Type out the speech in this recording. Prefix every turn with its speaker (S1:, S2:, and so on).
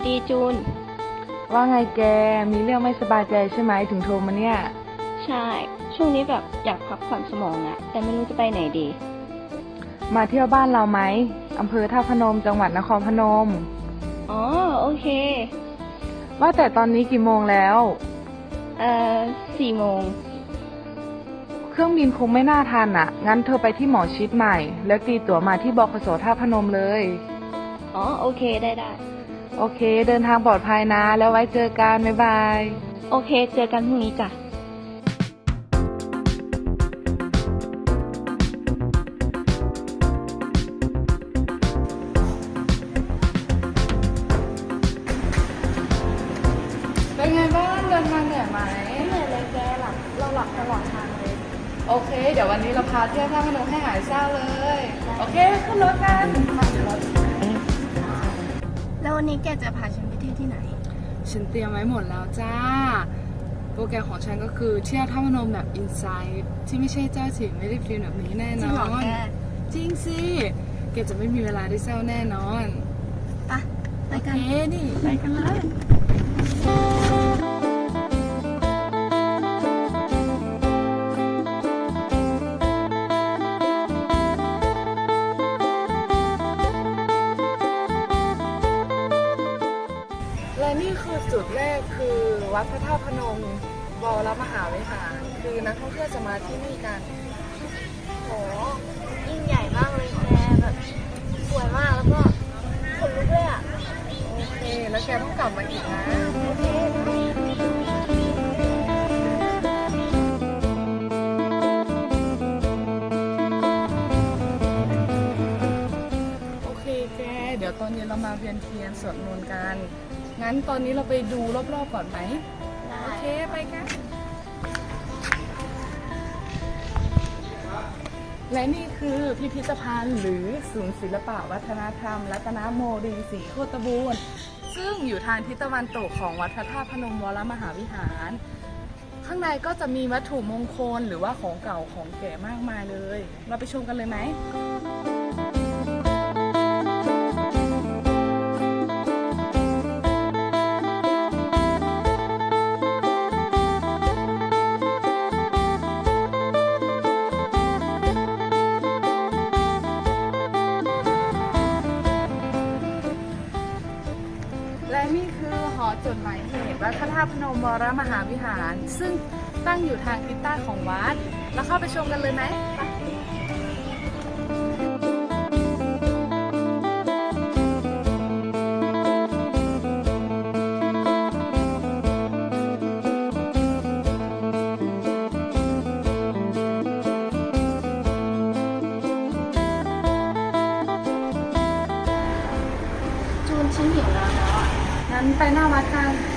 S1: ดีจูน
S2: ว่าไงแก มีเรื่องไม่สบายใจใช่ไหมถึงโทรมาเนี่ย
S1: ใช่ ช่วงนี้แบบอยากพักผ่อนสมองอะแต่ไม่รู้จะไปไหนดี
S2: มาเที่ยวบ้านเราไหมอำเภอท่าพนมจังหวัดนครพนม
S1: อ๋อโอเค
S2: ว่าแต่ตอนนี้กี่โมงแล้ว
S1: เอ่อ4 โมง
S2: เครื่องบินคงไม่น่าทันอ่ะ งั้นเธอไปที่หมอชิดใหม่ แล้วตีตั๋วมาที่บขสท่าพนมเลย
S1: อ๋อโอเคได้
S2: โอเค เดินทางปลอดภัยนะ แล้วไว้เจอกัน บ๊ายบาย
S1: โอเคเจอกันพรุ่งนี้จ้ะ
S2: เป็นไงบ้างเดินทางเหนื่อยไหม
S1: เหนื่อยเลยแกเราหลับตลอดทางเลย
S2: โอเค เดี๋ยววันนี้เราพาเที่ยวท่าพนมให้หายเศร้าเลย โอเค ขึ้นรถกัน
S1: แล้ววันนี้แกจะพาฉันไปเที่ยวที่ไหน
S2: ฉันเตรียมไว้หมดแล้วจ้า โปรแกรมของฉันก็คือเที่ยวท่าพนมแบบอินไซด์ที่ไม่ใช่เจ้าถิ่นไม่ได้ฟิลแบบนี้แน่น
S1: จริงเหร
S2: อ
S1: อน แก
S2: จริงสิแกจะไม่มีเวลาได้เศร้าแน่นอน
S1: ไปกัน
S2: โอเคนี่ไปกันเลย และนี่คือจุดแรกคือวัดพระธาตุพนมวรมหาวิหารคือนักท่องเที่ยวจะมาที่นี่กัน
S1: โหยิ่งใหญ่มากเลยแกแบบสวยมากแล้วก็ขนลุกเลยอะ
S2: โอเค แล้วแกต้องกลับมาอีกนะ
S1: โอเคนะ
S2: โอเคแก เดี๋ยวตอนเย็นเรามาเวียนเทียนสวดมนต์กัน งั้นตอนนี้เราไปดูรอบๆก่อนไหม โอเค ไปกัน และนี่คือพิพิธภัณฑ์หรือศูนย์ศิลปะวัฒนธรรมรัตนโมดีศรีโคตบูรณ์ซึ่งอยู่ทางทิศตะวันตกของวัดพระธาตุพนมวรมหาวิหาร ข้างในก็จะมีวัตถุมงคลหรือว่าของเก่าของแก่มากมายเลย เราไปชมกันเลยไหม และนี่คือหอจดหมายเหตุวัดพระธาตุพนมวรมหาวิหาร ซึ่งตั้งอยู่ทางทิศใต้ของวัด แล้วเข้าไปชมกันเลยไหมไป
S1: จูนฉันหิวแล้วอะ
S2: งั้นไปหน้าวัดกัน